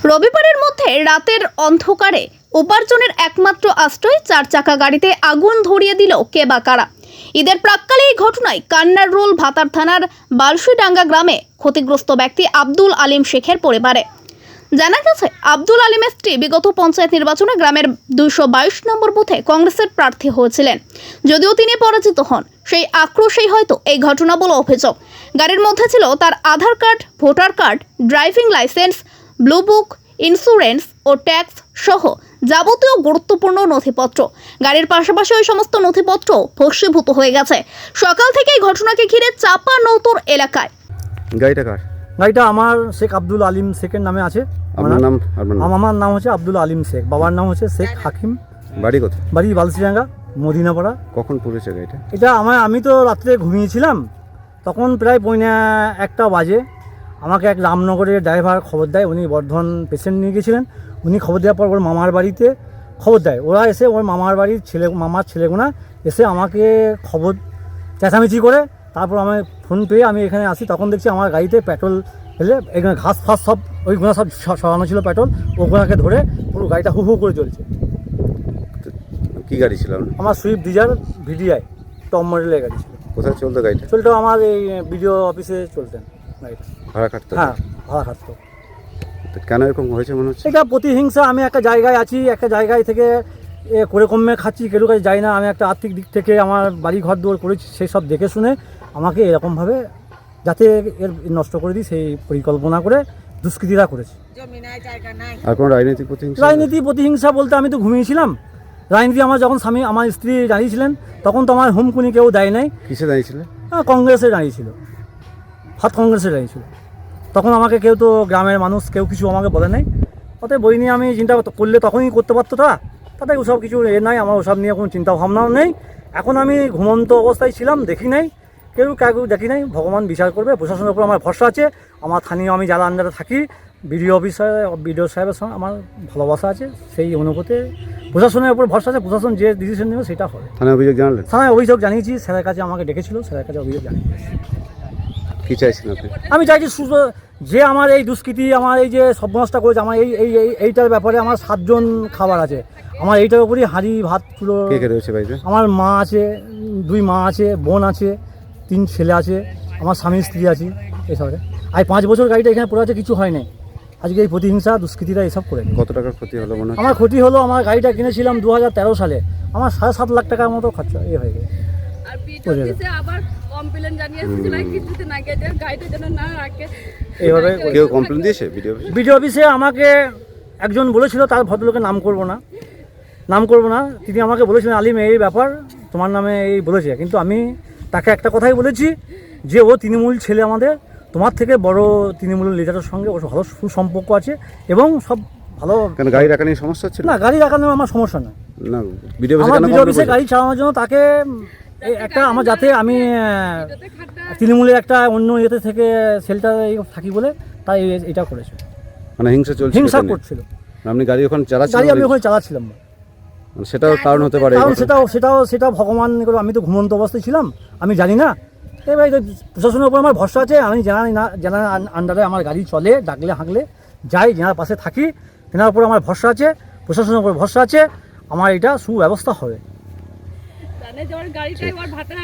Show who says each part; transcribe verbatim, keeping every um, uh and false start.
Speaker 1: রবিবারের মধ্যে রাতের অন্ধকারে উপার্জনের একমাত্র আশ্রয় চার চাকা গাড়িতে আগুন ধরিয়ে দিল কে বা কারা। ঈদের প্রাক্কালে এই ঘটনায় কান্নার রোল ভাতার থানার বালসুইডাঙ্গা গ্রামে ক্ষতিগ্রস্ত ব্যক্তি আব্দুল আলিম শেখের পরিবারে। জানা গেছে, আব্দুল আলিমের স্ত্রী বিগত পঞ্চায়েত নির্বাচনে গ্রামের দুইশো বাইশ নম্বর বুথে কংগ্রেসের প্রার্থী হয়েছিলেন। যদিও তিনি পরাজিত হন, সেই আক্রোশেই হয়তো এই ঘটনা বলে অভিযোগ। গাড়ির মধ্যে ছিল তার Aadhaar card, voter card, driving licence, blue book, insurance ও ট্যাক্স সহ যাবতীয় গুরুত্বপূর্ণ নথিপত্র। গাড়ির পাশাপাশি ওই সমস্ত নথিপত্র ভস্মীভূত হয়ে গেছে। সকাল থেকে এই ঘটনাকে ঘিরে চাপা নৌতর এলাকায়।
Speaker 2: গাড়িটা কার?
Speaker 3: গাড়িটা আমার শেখ আব্দুল আলিম শেখের নামে আছে।
Speaker 2: আপনার নাম?
Speaker 3: আমার নাম হচ্ছে আব্দুল আলিম শেখ, বাবার নাম হচ্ছে শেখ হাকিম।
Speaker 2: বাড়ি কোথায়?
Speaker 3: বাড়ি বালসিডাঙ্গা, মদিনাপাড়া।
Speaker 2: কখন পড়েছে গাড়িটা?
Speaker 3: এটা আমার আমি তো রাত্রে ঘুমিয়েছিলাম, তখন প্রায় পৌনে একটা বাজে আমাকে এক রামনগরের ড্রাইভার খবর দেয়। উনি বর্ধমান পেশেন্ট নিয়ে গেছিলেন। উনি খবর দেওয়ার পর ওর মামার বাড়িতে খবর দেয়। ওরা এসে ওর মামার বাড়ির ছেলে মামার ছেলেগুনা এসে আমাকে খবর চেঁচামেচি করে তারপর আমি ফোন পেয়ে আমি এখানে আসি। তখন দেখছি আমার গাড়িতে পেট্রোল ফেলে এখানে ঘাস ফাস সব ওইগুলো সব সরানো ছিল পেট্রোল, ওগুলোকে ধরে পুরো গাড়িটা হু হু করে চলছে।
Speaker 2: কি গাড়ি ছিল?
Speaker 3: আমার সুইফট ডিজায়ার ভিডিআই টপ মডেলের গাড়ি ছিল।
Speaker 2: কোথায় চলতো গাড়িটা?
Speaker 3: চলতো আমার এই বিডিও অফিসে চলতেন গাড়িটা।
Speaker 2: ভাড়া কাটতো?
Speaker 3: হ্যাঁ, ভাড়া খাটতো।
Speaker 2: কেন এরকম হয়েছে মনে হচ্ছে?
Speaker 3: এটা প্রতিহিংসা। আমি একটা জায়গায় আছি, একটা জায়গায় থেকে এ করে কমে খাচ্ছি, কেউ কাছে যাই না। আমি একটা আর্থিক দিক থেকে আমার বাড়ি ঘর দৌড় করেছি, সেই সব দেখে শুনে আমাকে এরকমভাবে যাতে এর নষ্ট করে দিই সেই পরিকল্পনা করে দুষ্কৃতীরা করেছে।
Speaker 2: আর কোনো রাজনৈতিক প্রতিহিংসা?
Speaker 3: রাজনীতি প্রতিহিংসা বলতে আমি তো ঘুমিয়েছিলাম। রাজনীতি আমার যখন স্বামী আমার স্ত্রী দাঁড়িয়েছিলেন তখন তো আমার হুমকুনি কেউ দেয় নাই।
Speaker 2: কিসে দাঁড়িয়েছিল?
Speaker 3: কংগ্রেসে দাঁড়িয়েছিল, হাত কংগ্রেসে দাঁড়িয়েছিল। তখন আমাকে কেউ তো গ্রামের মানুষ কেউ কিছু আমাকে বলে নাই। অতএব বই নিয়ে আমি চিন্তা করলে তখনই করতে পারতো তা তাতে ওসব কিছু এ নাই, আমার ওসব নিয়ে কোনো চিন্তা ভাবনাও নেই। এখন আমি ঘুমন্ত অবস্থায় ছিলাম, দেখি নাই, কেউ কাউকে দেখি নাই। ভগবান বিচার করবে। প্রশাসনের উপর আমার ভরসা আছে। আমার স্থানীয় আমি যারা আন্ডারে থাকি বিডিও অফিসার বিডিও সাহেবের সঙ্গে আমার ভালোবাসা আছে। সেই অনুভূতি প্রশাসনের উপর ভরসা আছে। প্রশাসন যে ডিসিশন নেবে সেটা হবে।
Speaker 2: থানায় অভিযোগ জানালেন?
Speaker 3: থানায় অভিযোগ জানিয়েছি। স্যারের কাছে আমাকে ডেকেছিল, স্যারের কাছে অভিযোগ জানিয়েছি।
Speaker 2: কি চাইছেন আপনি?
Speaker 3: আমি চাইছি সুস্থ যে আমার এই দুষ্কৃতি আমার এই যে সর্বনাশটা করেছে, আমার এই এই এইটার ব্যাপারে আমার সাতজন খাবার আছে। আমার এইটার উপরই হাঁড়ি ভাত পুরো।
Speaker 2: কে কে রয়েছে বাড়িতে?
Speaker 3: আমার মা আছে, দুই মা আছে, বোন আছে, তিন ছেলে আছে, আমার স্বামী স্ত্রী আছে। এসব আর পাঁচ বছর গাড়িটা এখানে পড়ে আছে, কিছু হয় নাই। আজকে এই প্রতিহিংসা দুষ্কৃতীরা এসব করে।
Speaker 2: কত টাকার ক্ষতি হলো মনে হয়?
Speaker 3: আমার ক্ষতি হলো, আমার গাড়িটা কিনেছিলাম দু হাজার তেরো সালে, আমার সাড়ে সাত লাখ টাকার মতো খরচা এ হয়ে গেছে। এইভাবে
Speaker 2: কেউ কমপ্লেন দিয়েছে ভিডিও অফিসে?
Speaker 3: ভিডিও অফিসে আমাকে একজন বলেছিল, তার ভদ্রলোকের নাম করব না নাম করব না তিনি আমাকে বলেছিলেন, আলিম এই ব্যাপার তোমার নামে এই বলেছে। কিন্তু আমি তাকে একটা কথাই বলেছি যে ও তৃণমূল ছেলে, আমাদের তোমার থেকে বড় তৃণমূল লিডারের সঙ্গে ওর ভালো সুসম্পর্ক আছে এবং সব ভালো।
Speaker 2: কেন গাড়ি রাখা নিয়ে সমস্যা হচ্ছে?
Speaker 3: না, গাড়ি রাখানোর আমার সমস্যা না।
Speaker 2: না, ভিডিও অফিসে
Speaker 3: আমার
Speaker 2: কেন
Speaker 3: ভিডিও অফিসে গাড়ি চালানোর জন্য তাকে একটা আমার যাতে আমি তৃণমূলের একটা অন্য ইয়েতে থেকে সেলটা থাকি বলে তাই এটা করেছে।
Speaker 2: মানে হিংসা চলছে?
Speaker 3: হিংসা করছিল।
Speaker 2: আপনি গাড়ি ওখানে চালাচ্ছিলেন?
Speaker 3: গাড়ি আমি ওখানে চালাচ্ছিলাম।
Speaker 2: সেটাও কারণ হতে পারে?
Speaker 3: কারণ সেটাও সেটাও সেটা ভগবান করে, আমি তো ঘুমন্ত অবস্থায় ছিলাম, আমি জানি না। এবার প্রশাসনের উপর আমার ভরসা আছে। আমি জানি না, জানার আন্ডারে আমার গাড়ি চলে, ডাকলে হাঁকলে যাই, যেনার পাশে থাকি তেনার উপর আমার ভরসা আছে, প্রশাসনের উপর ভরসা আছে। আমার এটা সুব্যবস্থা হবে।